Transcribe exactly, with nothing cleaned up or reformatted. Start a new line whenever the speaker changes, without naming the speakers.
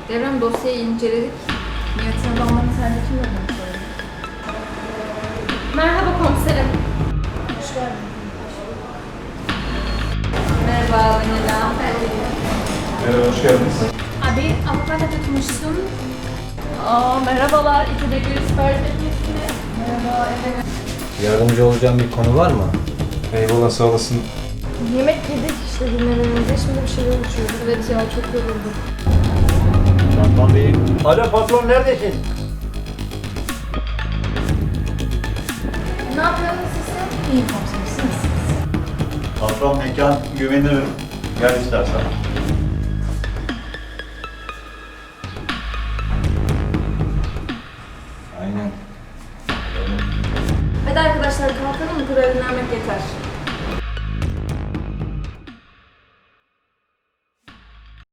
Devrem dosyayı inceledik. Niyetin adamlarını sence kim öldürmüş olabilir?
Merhaba komiserim.
Hoş geldin. Merhaba Vanilla.
Merhaba, hoş geldiniz.
Abi avukata tutmuşsun.
Aa merhabalar. İki de bir sipariş etmişsiniz. Merhaba, evet.
Yardımcı olacağım bir konu var mı?
Eyvallah, sağ olasın.
Yemek yedik işte dinlemeden önce. Şimdi bir şeyler uçuyoruz. Evet ya çok yoruldum.
Patron Bey'im. Alo patron neredesin?
Ne yapıyorsunuz siz? İyi komisersiniz.
Patron mekan güvenirim. Gel istersen.
Aynen.
Hadi arkadaşlar kalkalım. Bu kadar dinlenmek yeter.